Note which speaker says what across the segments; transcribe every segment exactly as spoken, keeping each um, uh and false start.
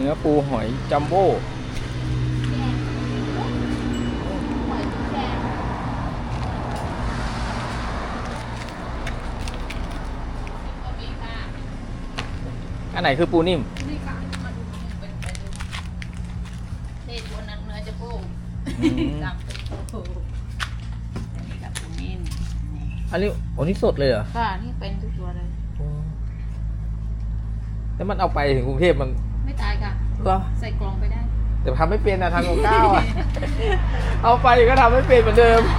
Speaker 1: นื้อปูหอยจัมโบ้อันไหนคือปูนิ่ม
Speaker 2: นี่ค่ะมาดูเป็นไปดูเทตัวนั้นเนื้อจะโป้จำเป็นโป้อันนี้กับปูนิ่มนี่
Speaker 1: อันนี้โอ้นี่สดเลยเหรอ
Speaker 2: ค่ะนี่เป็นทุกตัวเลย
Speaker 1: แล้วมันเอาไปถึงกรุงเทพมัน
Speaker 2: ไม่ตายค่ะ
Speaker 1: เหรอ
Speaker 2: ใส่กล่องไปได้
Speaker 1: แต่ทำไม่เป็นนะทางของข้าวอ่ะ เอาไปก็ทำไม่เป็นเหมือนเดิม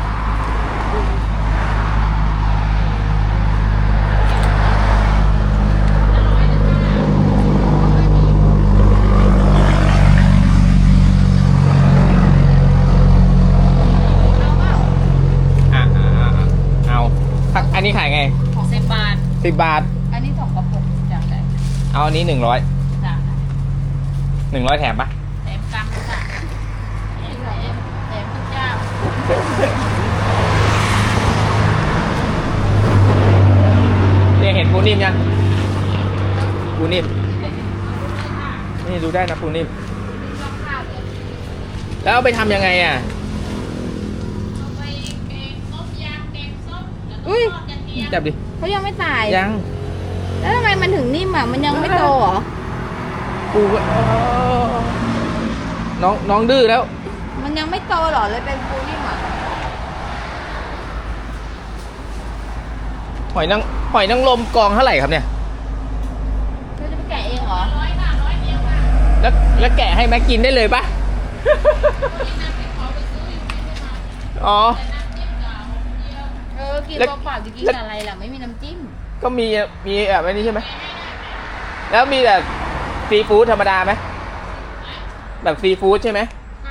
Speaker 1: อ่ะอ่ะอ่ะเอาสักอันนี้ขายไง
Speaker 2: สิบบาท
Speaker 1: สิบบาท
Speaker 2: อันนี้สองกระปุกจากไหน
Speaker 1: เอาอันนี้หนึ่งร้อย
Speaker 2: จาก
Speaker 1: หนึ่งร้อยแถมปะ
Speaker 2: แถมกำค่ะแถมแถมแถมทุกเจ้า
Speaker 1: เนี่ยเห็นปูนิ่มยังปูนิ่มนี่ดูได้นะปูนิ่มแล้วเอาไปทำยังไงอ่ะ
Speaker 2: เอาไปแกงต้มยำแกงส้มแล้วก็
Speaker 3: อุ้ย
Speaker 2: ทอดกระเทียม
Speaker 1: จับดิ
Speaker 3: เขายังไม่ตาย
Speaker 1: ยัง
Speaker 3: แล้วทำไมมันถึงนิ่มอ่ะ มันยังไม่โตเหรอ
Speaker 1: ปูก็เออน้องน้องดื้อแล้ว
Speaker 3: มันยังไม่โตเหรอเลยเป็นปูนิ่มอ่ะ
Speaker 1: หอยนางหอยนางรมกองเท่าไหร่ครับเนี่ย
Speaker 3: เธอจะไปแกะเองเหรอ
Speaker 2: ร้อยค่ะร้อยเดียวค่ะ
Speaker 1: แล้วแล้วแกะให้แม็กกินได้เลยปะ
Speaker 2: นี่น้ำพริกเผาไปซื้ออยู่ไม่ได้มา
Speaker 1: อ๋อ
Speaker 2: แต่น้ำจิ้มกับหอมเจียว
Speaker 3: เออ กิน
Speaker 1: แล้ว
Speaker 3: เปล่าๆจะกินกับอะไรล่ะ ไม่มีน้ำจิ้ม
Speaker 1: ก็มีมีแบบนี้ใช่ไหมแล้วมีแบบซีฟู้ดธรรมดาไหมแบบซีฟู้ดใช่ไหม
Speaker 2: ค่ะ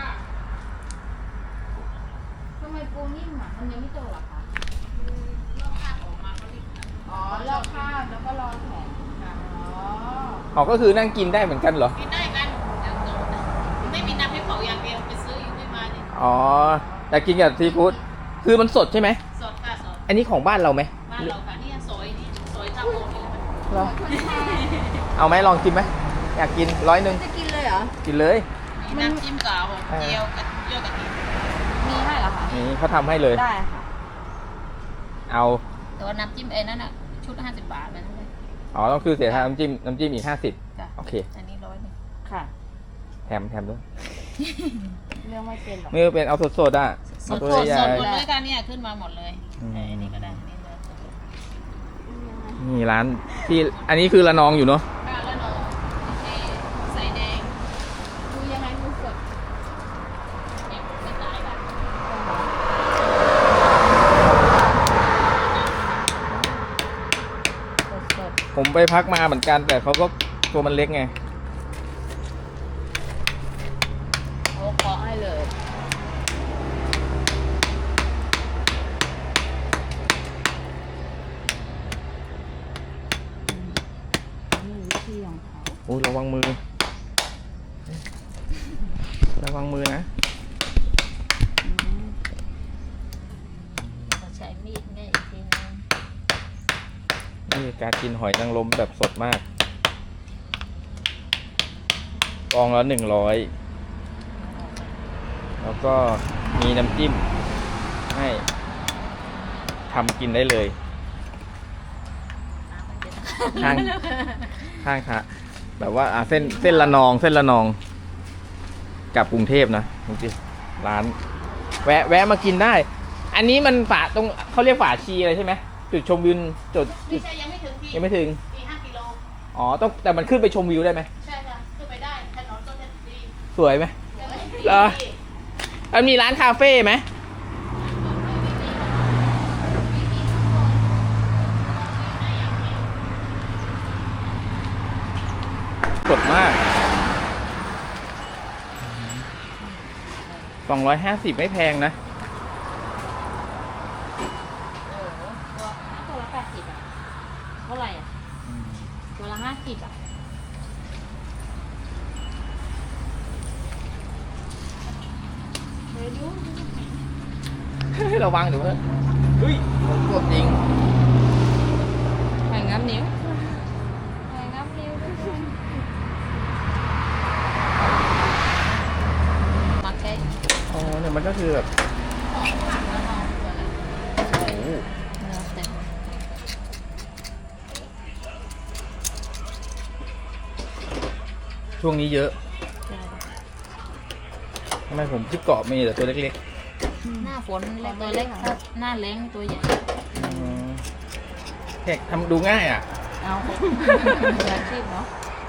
Speaker 3: ทำไมปูนิ่มอ่ะ มันยังไม่โตหรอคะ
Speaker 2: ลอกข้าวออกมาเขาเรียก
Speaker 3: อ๋อลอกข้าวแล้วก็รอแข็งอ๋อ
Speaker 1: อ๋อก็คือนั่งกินได้เหมือนกันเหรอ
Speaker 2: กินได้กันอย่างเดียวไม่มีน้ำพริกเผาอย่างเดียวไปซื้ออยู่ไม่มาเนี่ย
Speaker 1: อ๋อแต่กินกับซีฟู้ดคือมันสดใช่ไหม
Speaker 2: สดค่ะสด
Speaker 1: อันนี้ของบ้านเราไหม
Speaker 2: บ้านเราค่ะนี่ซอยนี่ซอยทาโกนี่แหละค่ะ
Speaker 1: เหรอเอาไหมลองกินไหมอยากกินร้อยหนึ่ง
Speaker 3: จะกินเลยเหรอ
Speaker 1: กินเลย
Speaker 2: มีน้ำจิ้มกับหอมเจียวกับเจียวกะทิ
Speaker 3: มีให้เหรอคะ
Speaker 1: นี่เขาทำให้เลย
Speaker 3: ได้ค่ะ
Speaker 1: เอา
Speaker 2: แต่ว่าน้ำจิ้มเอ็นนั่นอ่ะชุดห้าสิบบาทมันเลย
Speaker 1: อ๋อต้องคือเสียทางน้ำจิ้มน้ำจิ้มอีกห้าสิบ
Speaker 2: จ้ะ
Speaker 1: โอเค
Speaker 2: อันนี้ร้อยหนึ่ง
Speaker 3: ค่ะ
Speaker 1: แถมแถมด้วย
Speaker 3: เรื่องไม่เป็นหรอก
Speaker 1: ไม่เป็นเอาสดๆอ่ะ
Speaker 2: ส
Speaker 1: เอา
Speaker 2: ด
Speaker 1: ตัว
Speaker 2: สด
Speaker 1: ใหญ่
Speaker 2: สดหมดเลยค่ะเนี่ยขึ้นมาหมดเลย
Speaker 1: อืม
Speaker 2: เอออันนี้ก็ได้อันนี้เลย
Speaker 1: นี่ร้านที่อันนี้คือระนองอยู่เนาะ
Speaker 2: ข้าวแล้วเนาะโอเคใส่แดง
Speaker 3: ดูยังไงดูสด
Speaker 2: เอ็มไม่ตายค่ะ
Speaker 3: สด
Speaker 1: ผมไปพักมาเหมือนกัน แต่เขาก็ตัวมันเล็กไง
Speaker 3: ๆโอ้เคาะให้เลยนี่วิธีของเขา
Speaker 1: โอ้ยระวังมือ ระวังมือนะ
Speaker 3: อืม
Speaker 2: เราใช้มีดเนี่ยอีกทีนึง
Speaker 1: นี่การกินหอยนางรมแบบสดมากกองละหนึ่งร้อยแล้วก็มีน้ำจิ้มให้ทำกินได้เลย
Speaker 2: น้ำมันจะ
Speaker 1: ข้างข้างค่ะแบบว่าอ่ะเส้นเส้นละนองเส้นละนองกับกรุงเทพนะจริงๆร้าน แวะแวะมากินได้ อันนี้มันฝาตรงเขาเรียกฝาชีอะไรใช่ไหมจุดชมวิวจุด
Speaker 2: ไม่ใช่ยังไม่ถึงที่
Speaker 1: ยังไม่ถึง
Speaker 2: สี่ห้ากิโล
Speaker 1: อ๋อต้องแต่มันขึ้นไปชมวิวได้ไหม
Speaker 2: ใช่ค่ะขึ้นไปได้ถนนต้นเพชรดี
Speaker 1: สวยไหม
Speaker 2: ยังไม่ถึงที่
Speaker 1: เหรอ มันมีร้านคาเฟ่ไหมสดมากสองร้อยห้าสิบไม่แพงนะ
Speaker 3: เออตัวตัวละแปดสิบอ่ะ เท่าไหร่อ่ะ ตัวละห้าสิบอ่ะ เฮ้ยดูดู
Speaker 1: ระวังเดี๋ยวเพื่อนเฮ้ยมันสดจริง
Speaker 3: หอยงับนิ้วหอยงับนิ้วทุกคน
Speaker 1: คือแบบ
Speaker 2: ผักละนองตัวละ
Speaker 1: โอ้โห
Speaker 3: เนื้อเต็ม
Speaker 1: ช่วงนี้เยอะทำไมผมที่เกาะมีแต่ตัวเล็ก
Speaker 2: หน้าฝนเล็กตัวเล็กถ้าหน้าแล้งตัวใหญ่
Speaker 1: ๆอืมแขกทำดูง่ายอ่ะ
Speaker 3: เอามืออาชีพเนาะ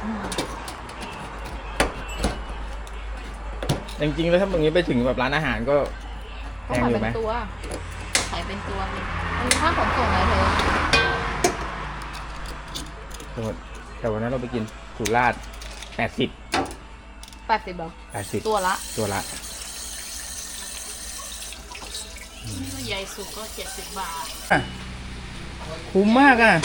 Speaker 1: จริงๆแล้วถ้าตรงนี้ไปถึงแบบร้านอาหารก็แพ
Speaker 3: ก็
Speaker 1: ง
Speaker 3: ขาย
Speaker 1: อยู่
Speaker 3: เป็
Speaker 1: ไหม
Speaker 3: นตัว
Speaker 2: ขายเป็นตัวเลย
Speaker 3: เป็นค่าขนส่งอะไรเธอ
Speaker 1: สมมติแต่วันนั้นเราไปกินสุราษฎร์แปดสิบ
Speaker 3: แปดสิบหรอ
Speaker 1: แปดสิบ
Speaker 3: ตัวละ
Speaker 1: ตัวละ
Speaker 2: ตัวใหญ่สุดก็เจ็ดสิบบาท
Speaker 1: อ่ะคุ้มมากอ่ะ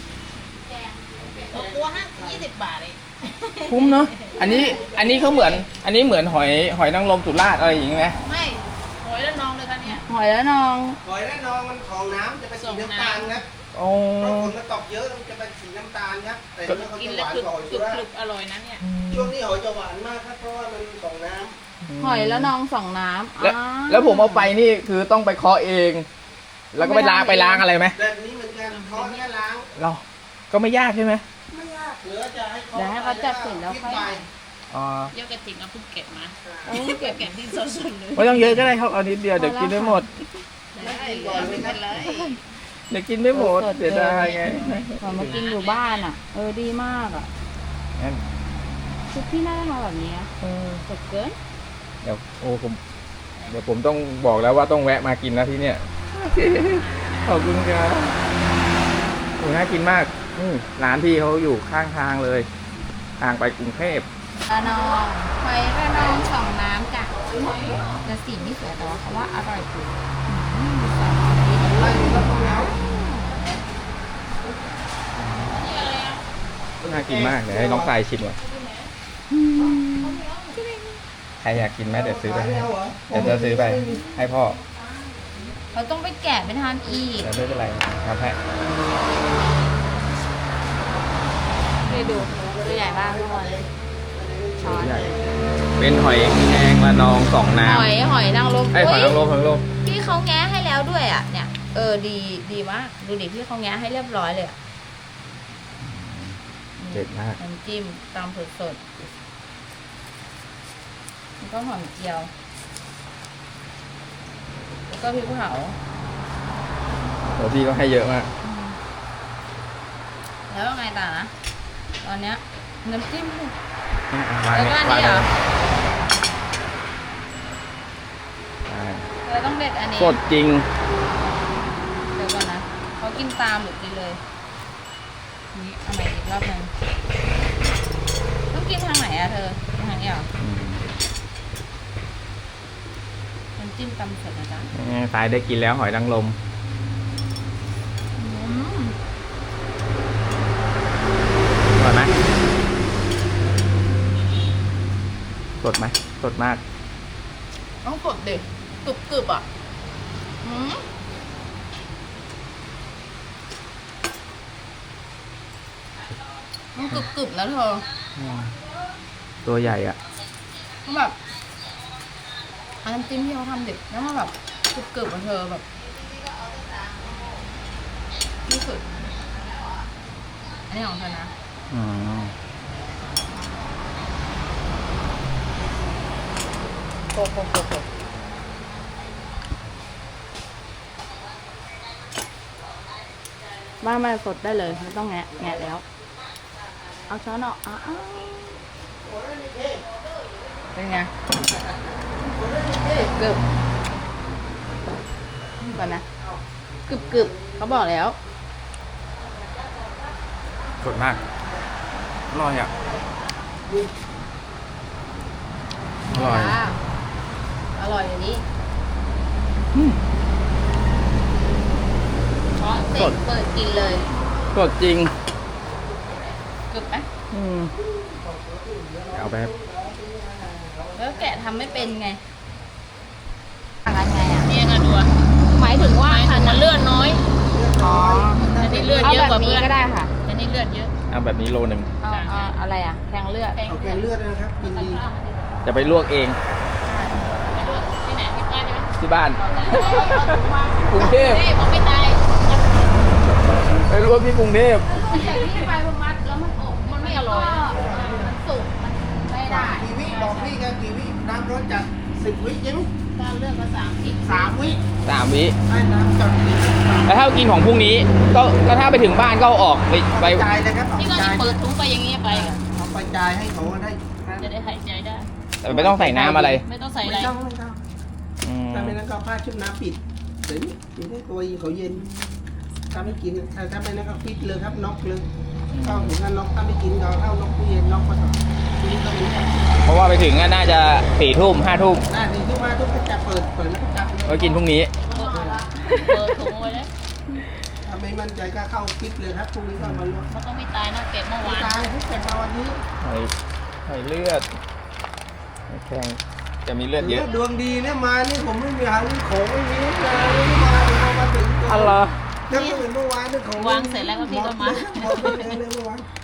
Speaker 2: ตัวห้ายี่สิบบาทเอง
Speaker 1: คุ้มเนาะ อันนี้ อันนี้เขาเหมือน อันนี้เหมือนหอย หอยนางรมสุราษฎร์อะไรอย่างงี้ไหม
Speaker 2: ไม่หอยละนองเลยค่ะเนี่ย
Speaker 3: หอยแล้วน้อง
Speaker 4: หอยและนองมันของน้ำจะเป็นสีน้ำตาลครับ
Speaker 1: โอ้
Speaker 4: เพราะฝนมันตกเยอะมันจะเป็นสีน้ำตาลครับ แต่เนื้อเขา
Speaker 2: กิน
Speaker 4: จะห
Speaker 2: แล้ว
Speaker 4: วาน
Speaker 2: กรึบ
Speaker 4: กว่าหอย
Speaker 2: ก
Speaker 4: สุ
Speaker 2: รึบ
Speaker 4: ราษ
Speaker 2: กรึ
Speaker 4: ฎ
Speaker 2: บ
Speaker 4: ร์
Speaker 2: อร่อยนะเนี่ย
Speaker 4: ช่วงนี้หอยจะหวานมากครับเพราะว่ามันของน้
Speaker 3: หอยแล้วน้องสองน้ำ
Speaker 1: แล้ว
Speaker 3: อ่า
Speaker 1: แล้วผมเอาไปนี่คือต้องไปเคาะเอง แล้วก็ไปล้างไปล้างอะไรไหม
Speaker 4: ำแบบนี้เหมือนกันเขาแค่ล้าง
Speaker 1: เรา ก็ไม่ยากใช่ไหม
Speaker 4: ไม่ยากเหลือจะให้เขา
Speaker 3: เดี๋ยวให้เขาจัดเสร็จแล้วค่อย
Speaker 4: ไป
Speaker 1: อ๋อ
Speaker 2: เยอะกระถิ่งเอาเพิ่งเก็บมา
Speaker 3: เอาเก็บ
Speaker 2: เก็บที่สดๆเลย
Speaker 1: ไม่ต้องเยอะก็ได้ครับ เอานิดเดียวเดี๋ยวกินไม่หมด
Speaker 2: ได้ไม่เป็นไร
Speaker 1: เดี๋ยวกินไม่หมด
Speaker 3: สดๆ
Speaker 1: เสียดายไง
Speaker 3: เหมือนมากินอยู่บ้านอ่ะ เออดีมากอ่ะ
Speaker 1: งั้น
Speaker 3: ชุดที่น่าจะมาแบบนี้อะ
Speaker 1: เออ
Speaker 3: สดเกิน
Speaker 1: เดี๋ยวโอ้ผมเดี๋ยวผมต้องบอกแล้วว่าต้องแวะมากินนะที่เนี่ย ขอบคุณครับโอ้น่ากินมากอืมร้านพี่เขาอยู่ข้างทางเลยทางไปกรุงเทพ
Speaker 3: ระนองหอยระนองสองน้ำจ้ะแต่สีไม่สวยแต่ว่าเขาว่าอร่อยสุดอืมสองน้ำดีอร่อย
Speaker 1: น่ากินมากเดี๋ยวให้น้องทรายชิมก่อนใครอยากกินไหมเดี๋ยวซื้อไปให้เดี๋ยวจะซื้อไปให้พ่อ
Speaker 3: เขาต้องไปแกะไปทานอีก
Speaker 1: เดี๋ยวไม่เป็นไรทำให้
Speaker 3: ไปดูตัวใหญ่บ้างทุกคนช้อน
Speaker 1: ใหญ่เป็นหอยแครงละนองสองน้
Speaker 3: หอยหอยนางรม
Speaker 1: ำไอ้ยหอยนางรมหอยนางรม
Speaker 3: พี่เขาแง้ให้แล้วด้วยอ่ะเนี่ยเออดีดีมากดูดิพี่เขาแง้ให้เรียบร้อยเลยอ่ะ
Speaker 1: เด็ดมาก
Speaker 3: น้ำจิ้มตามสดๆแล้วก็หอมเจียว แล้วก็พริกเผา
Speaker 1: โอ้พี่ก็ให้เยอะมาก
Speaker 3: แล้วยังไงต่อนะ ตอนเนี้ยน้ำจิ้ม
Speaker 1: วาง
Speaker 3: แล้วก็อันนี้เหรอ
Speaker 1: ใช่
Speaker 3: เราต้องเด็ดอันนี้
Speaker 1: สดจริง
Speaker 3: เดี๋ยวก่อนนะเขากินตามหรือกินเลยนี่เอาใหม่อีกรอบหนึงต้องกินทางไหนอะเธอกินทางนี้เหรอ
Speaker 1: อืม
Speaker 3: น้ำจิ้มตำเสร็จนะจ๊ะ
Speaker 1: นี่ทรายได้กินแล้วหอยนางรม
Speaker 3: อืม
Speaker 1: อร่อยไหมสดไหมสดมาก
Speaker 3: ต้องสดดิกรึบกรึบๆอ่ะอืมมันกรึบกรึบๆแล้วเธอ
Speaker 1: ตัวใหญ่อ่ะ
Speaker 3: มันแบบอันน้ำจิ้มที่เขาทำดิบแล้วมันแบบกรึบกรึบๆของเธอแบบที่สุดอันนี้ของเธอนะ
Speaker 1: อืม
Speaker 3: โกโกโกโกบ้านมาสดได้เลยไม่ต้องแงะแงะแล้ว เอาช้อนออกอ้าวเป็นไงกรึบๆก่อนนะกรึบกรึบๆเขาบอกแล้ว
Speaker 1: สดมาก อร่อยอ่ะ อร่อย
Speaker 3: อร่อยอย่างนี้
Speaker 1: อืม
Speaker 3: ช้อนเสร็จเปิดกินเลย
Speaker 1: สดจริง
Speaker 3: กรึบไหม
Speaker 1: อืมเอาไป
Speaker 3: แล้วแกะทำไม่เป็นไงต่างกันไงอ่ะ
Speaker 2: เนี่ยไงดูอะ
Speaker 3: หมายถึงว่า
Speaker 2: หมายถึงมันเลือดน้อย
Speaker 3: อ๋อ
Speaker 2: อันนี้เลือด
Speaker 3: เอา
Speaker 2: เยอะ
Speaker 3: แบ
Speaker 2: กว่า
Speaker 3: บนี้
Speaker 2: เพื่อน
Speaker 3: ก็ได้ค่ะ
Speaker 2: อันนี้เลือดเยอะ
Speaker 1: เอาแบบนี้โลหนึ่ง
Speaker 3: เอาเอาอะไรอ่ะแทงเลือด
Speaker 4: เอาแกงเลือดนะครับกินดี
Speaker 1: จะไปลวกเอง
Speaker 2: ไปด้วยที่ไหนที่บ้านใช่ไหม
Speaker 1: ที่บ้าน กรุงเทพ
Speaker 2: เฮ้ยผมไม่ตาย
Speaker 1: ไปรู้ว่าพี่กรุงเทพ
Speaker 2: จากนี้ไปมันมัดแล้วมันอบมันไม่อร่อยนะมันสุกมันไม่ได้
Speaker 4: กี่วิบอกพี่กันกี่วิน้ำร้อนจัดสิบวิใช่ไหม
Speaker 2: ตามเรื่องภาษาอังกฤษ
Speaker 4: สามวิ
Speaker 1: สามวิ
Speaker 4: ให้น้ำจัดสิบวิ
Speaker 1: แล้วถ้ากินของพรุ่งนี้ ก็ก็ถ้าไปถึงบ้านก็เอาออกไปไป
Speaker 4: จ่ายเลยครับเอา
Speaker 2: นี่
Speaker 4: ไป
Speaker 2: ก็
Speaker 4: จ่าย
Speaker 2: จะเปิดถุงไปอย่างนี้ไป
Speaker 4: เอาไปจ่ายให้เขาได้
Speaker 2: จะได้หายใจได้
Speaker 1: แต่ไม่ต้องใส่น้ำอะไร
Speaker 2: ไม่ต้องใส่อะไร
Speaker 4: ไม่ต้องไม่ต้อง
Speaker 1: อืม
Speaker 4: ถ้าไม่นั้นก็เอาผ้าชุบน้ำปิดเดี๋ยวนี้กินได้ตัวเขาเย็นถ้าไม่กินถ้าถ้าไม่นั้นก็ฟิตเลยครับน็อกเลยเข้าถึงนั้นน็อกถ้าไม่กินก็เข้าน็อกตู้เย็นน็อกก็ต่อกินตรงนี้
Speaker 1: เพราะว่าไปถึงก็น่าจะสี่ทุ่มห้าทุ่ม
Speaker 4: หน้าที่ที่มาทุกคนจะเปิดเปิดแล้วก็จับ
Speaker 1: ก็กินพรุ่งนี้
Speaker 2: เปิดถุงไว้แล้ว
Speaker 4: ถ้าไม่มั่นใจก็เข้าฟิตเลยครับพรุ่งนี้ก็มาลวก
Speaker 2: มันก็ไม่ตายนะเก็บเมื่อวาน
Speaker 4: ตายทุกแต่มาวันนี้
Speaker 1: ไข่ไข่เลือดแข็งจะมีเลือดเยอะ
Speaker 4: ดวงดีเนี่ยมานี่ผมไม่มีหางของไม่มีเลยไม่มาเลยพอมาถึง
Speaker 1: อะไร
Speaker 4: ถ้าเมื่อเมื่อวานนี่ของ
Speaker 2: วางเสร็จแล้วก็พี่ก็มา
Speaker 4: หมดเลยเลยเมื่อวาน